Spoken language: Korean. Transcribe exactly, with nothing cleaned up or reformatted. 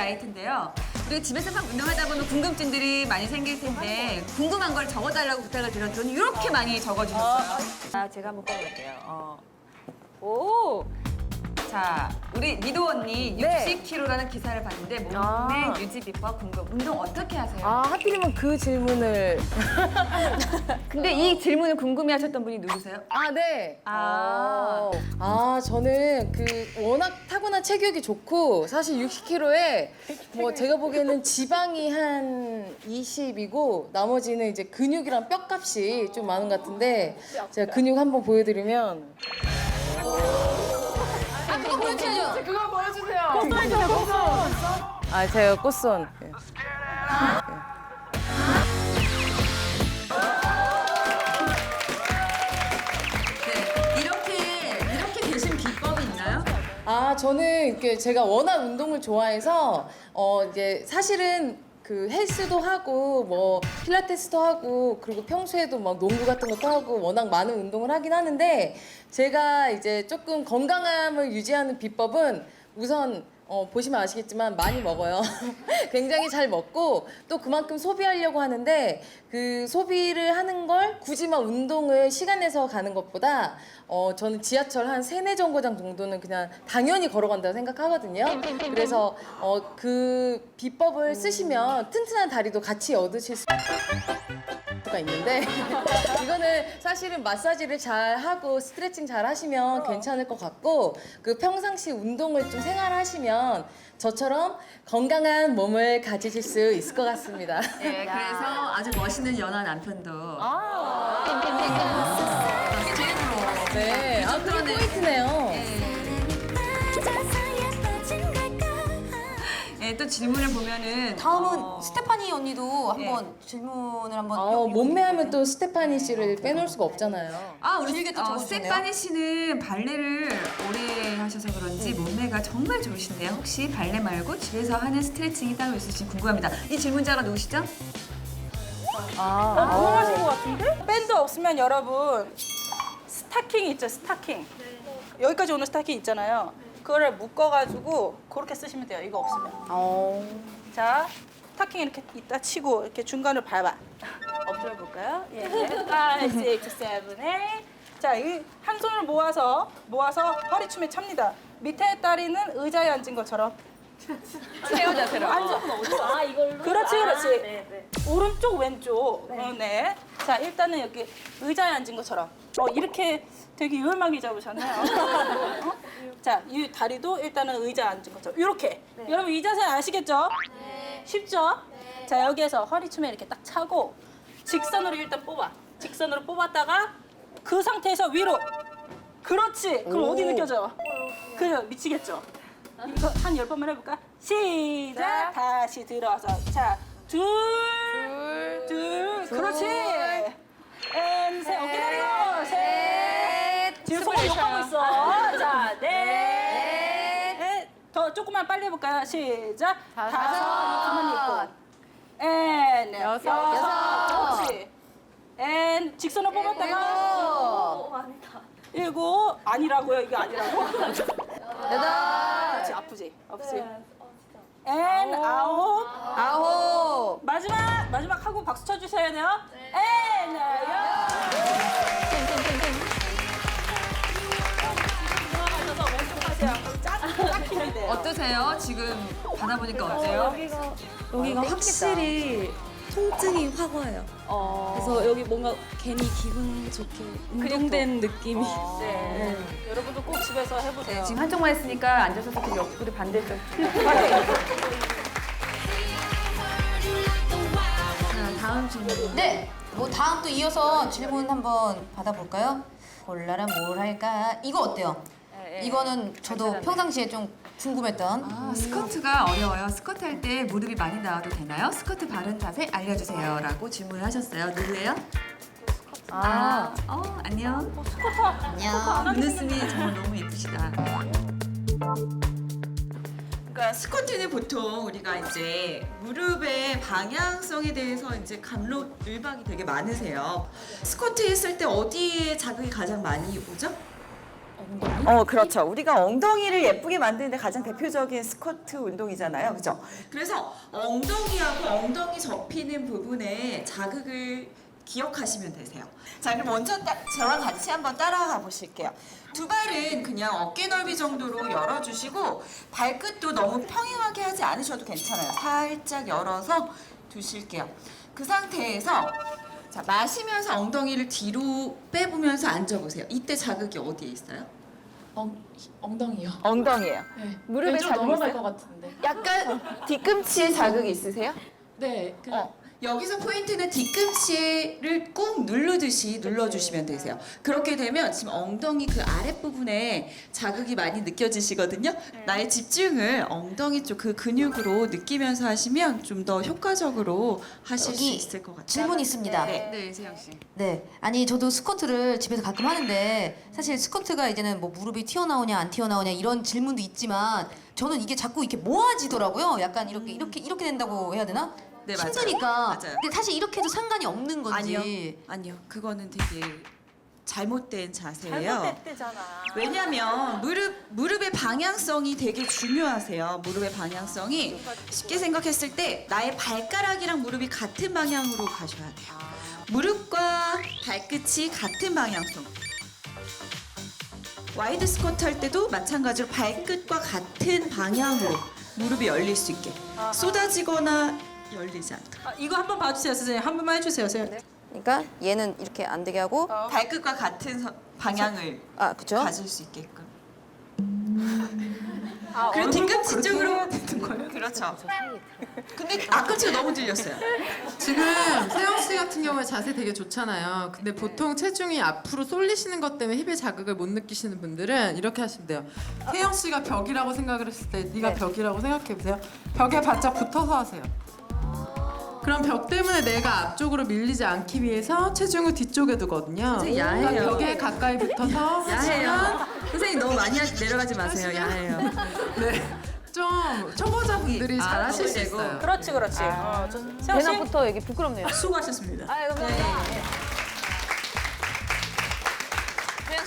나이트인데요. 우리 집에서 막 운동하다 보면 궁금증들이 많이 생길 텐데 궁금한 걸 적어달라고 부탁을 드렸더니 이렇게 많이 적어주셨어요. 아, 제가 한번 꺼볼게요. 어. 오! 자, 우리 미도 언니 네. 육십 킬로그램라는 기사를 봤는데 몸매 아. 유지 비법 궁금. 운동 어떻게 하세요? 아, 하필이면 그 질문을. 근데 이 질문을 궁금해하셨던 분이 누구세요? 아, 네. 아. 어. 아, 저는 그 워낙 타고난 체격이 좋고 사실 육십 킬로그램에 뭐 제가 보기에는 지방이 한 이십이고 나머지는 이제 근육이랑 뼈값이 좀 많은 것 같은데 제가 근육 한번 보여드리면 그거 보여주세요. 그거 보여주세요. 꽃손이잖아, 꽃손. 아, 제가 꽃손. 예. 네, 이렇게 이렇게 되신 비법이 있나요? 아, 저는 이렇게 제가 워낙 운동을 좋아해서 어 이제 사실은 그 헬스도 하고 뭐 필라테스도 하고 그리고 평소에도 막 농구 같은 것도 하고 워낙 많은 운동을 하긴 하는데 제가 이제 조금 건강함을 유지하는 비법은 우선 어, 보시면 아시겠지만 많이 먹어요. 굉장히 잘 먹고 또 그만큼 소비하려고 하는데 그 소비를 하는 걸 굳이 막 운동을 시간 내서 가는 것보다 어, 저는 지하철 한 세네 정거장 정도는 그냥 당연히 걸어간다고 생각하거든요. 그래서 어, 그 비법을 쓰시면 튼튼한 다리도 같이 얻으실 수 가 있는데 이거는 사실은 마사지를 잘 하고 스트레칭 잘 하시면 괜찮을 것 같고 그 평상시 운동을 좀 생활하시면 저처럼 건강한 몸을 가지실 수 있을 것 같습니다. 네, 그래서 아주 멋있는 연하 남편도 이게 제일 부러워. 네, 아, 그게 정도는- 포인트네요. 네, 또 질문을 보면은 다음은 어, 스테파니 언니도 한번 질문을 한번. 어, 요- 요- 몸매하면 또 스테파니 씨를 빼놓을 수가 없잖아요. 아, 우리 길게 또 어, 적어주셨네요. 스테파니 씨는 발레를 오래 하셔서 그런지 몸매가 정말 좋으신데요. 혹시 발레 말고 집에서 하는 스트레칭이 따로 있으신지 궁금합니다. 이 질문자가 누구시죠? 아, 궁금하신 것 같은데? 밴드 없으면 여러분 스타킹 있죠, 스타킹. 여기까지 오는 스타킹 있잖아요. 그거를 묶어가지고 그렇게 쓰시면 돼요. 이거 없으면. 어. 자, 스타킹 이렇게 이따 치고 이렇게 중간을 밟아. 엎드려 볼까요? 예. five, six, seven, eight. 자, 이 한 손을 모아서 모아서 허리춤에 찹니다. 밑에 다리는 의자에 앉은 것처럼. 세워 자세로. 앉아. 아, 이걸로? 그렇지, 그렇지. 아, 네, 네. 오른쪽, 왼쪽. 네. 네. 자, 일단은 여기 의자에 앉은 것처럼. 어, 이렇게 되게 유연하게 잡으셨네요. 어? 자, 이 다리도 일단은 의자에 앉은 것처럼. 이렇게. 여러분, 이 자세 아시겠죠? 네. 쉽죠? 자, 여기에서 허리춤에 이렇게 딱 차고 직선으로 일단 뽑아. 직선으로 뽑았다가 그 상태에서 위로. 그렇지. 그럼 오. 어디 느껴져요? 그래, 미치겠죠? 이거 한 열 번만 해볼까? 시작! 다시 들어서. 자, 둘, 둘, 그렇지! 앤, 셋, 어깨 내리고, 셋! 지금 손을 욕하고 있어. 자, 넷, 넷. 더 조금만 빨리 해볼까요? 시작! 다섯, 가만히 있고. 앤, 여섯, 여섯. 그렇지. 앤, 직선을 뽑았다가. 일곱. 아니라고요? 이게 아니라고? 그렇지, 아프지? 아프지? 앤 아홉. 아홉. 마지막! 마지막 하고 박수 쳐주셔야 돼요. 앤 열. 들어가셔서 왼쪽 하세요. 짝, 짝 힘이 돼요. 어떠세요? 지금 받아보니까 어때요? 여기가 확실히 통증이 확 와요. 그래서 여기 뭔가 괜히 기분 좋게 운동된 느낌이. 네. 여러분도 꼭 집에서 해보세요. 지금 한쪽만 했으니까 앉아서 좀 옆구리 반대쪽. 자, 다음 질문. 네. 뭐 다음 또 이어서 질문 한번 받아볼까요? 골라라 뭘 할까? 이거 어때요? 이거는 저도 평상시에 좀 궁금했던. 아, 스쿼트가 어려워요. 스쿼트 할 때 무릎이 많이 나와도 되나요? 스쿼트 바른 자세 알려주세요. 라고 질문을 하셨어요. 누구예요? 아, 어, 안녕. 안녕. 눈웃음이 정말 너무 예쁘시다. 그러니까 스쿼트는 보통 우리가 이제 무릎의 방향성에 대해서 이제 감론을박이 되게 많으세요. 스쿼트 했을 때 어디에 자극이 가장 많이 오죠? 어, 그렇죠. 우리가 엉덩이를 예쁘게 만드는데 가장 대표적인 스쿼트 운동이잖아요. 그죠? 그래서 엉덩이하고 엉덩이 접히는 부분에 자극을 기억하시면 되세요. 자, 그럼 먼저 따, 저랑 같이 한번 따라가 보실게요. 두 발은 그냥 어깨 넓이 정도로 열어주시고 발끝도 너무 평행하게 하지 않으셔도 괜찮아요. 살짝 열어서 두실게요. 그 상태에서 자, 마시면서 엉덩이를 뒤로 빼보면서 앉아보세요. 이때 자극이 어디에 있어요? 엉, 엉덩이요. 엉덩이에요. 네. 무릎에 좀 자극 넘어갈 있어요? 것 같은데. 약간 뒤꿈치에 자극이 있으세요? 네. 그, 어. 여기서 포인트는 뒤꿈치를 꾹 누르듯이 눌러주시면 되세요. 그렇게 되면 지금 엉덩이 그 아랫부분에 자극이 많이 느껴지시거든요. 나의 집중을 엉덩이 쪽 그 근육으로 느끼면서 하시면 좀 더 효과적으로 하실 수 여기 있을 것 같아요. 질문 있습니다. 네. 네, 세영 씨. 네, 아니 저도 스쿼트를 집에서 가끔 하는데 사실 스쿼트가 이제는 뭐 무릎이 튀어나오냐 안 튀어나오냐 이런 질문도 있지만 저는 이게 자꾸 이렇게 모아지더라고요. 약간 이렇게 이렇게 이렇게 된다고 해야 되나? 네, 맞아요. 힘드니까. 맞아요. 근데 사실 이렇게 해도 상관이 없는 건지. 아니요, 아니요. 그거는 되게 잘못된 자세예요. 잘못됐대잖아. 왜냐면 무릎 무릎의 방향성이 되게 중요하세요. 무릎의 방향성이 쉽게 생각했을 때 나의 발가락이랑 무릎이 같은 방향으로 가셔야 돼요. 무릎과 발끝이 같은 방향성. 와이드 스쿼트 할 때도 마찬가지로 발끝과 같은 방향으로 무릎이 열릴 수 있게 쏟아지거나 열리지 않도록. 아, 이거 한번 봐주세요, 선생님. 한 번만 해주세요, 선생님. 그러니까 얘는 이렇게 안 되게 하고 발끝과 같은 서- 방향을 아 그죠? 가질 수 있게끔. 아, 그리고 얼굴도 뒤꿈치 그렇게 쪽으로 해야 되는 거예요? 그렇죠. 근데 앞꿈치가 너무 들렸어요. 지금 세영 씨 같은 경우에 자세 되게 좋잖아요. 근데 보통 체중이 앞으로 쏠리시는 것 때문에 힙의 자극을 못 느끼시는 분들은 이렇게 하시면 돼요. 세영 씨가 벽이라고 생각을 했을 때 네가 벽이라고 생각해 보세요. 벽에 바짝 붙어서 하세요. 그럼 벽 때문에 내가 앞쪽으로 밀리지 않기 위해서 체중을 뒤쪽에 두거든요. 선생님, 야해요. 그러니까 벽에 가까이 붙어서 하시면 선생님 너무 많이 하- 내려가지 마세요. 야해요. 네, 좀 초보자분들이 잘 하실 수 있어요. 그렇지, 그렇지. 어, 저, 세영 씨 대낮부터 여기 부끄럽네요. 수고하셨습니다. 아, 감사합니다.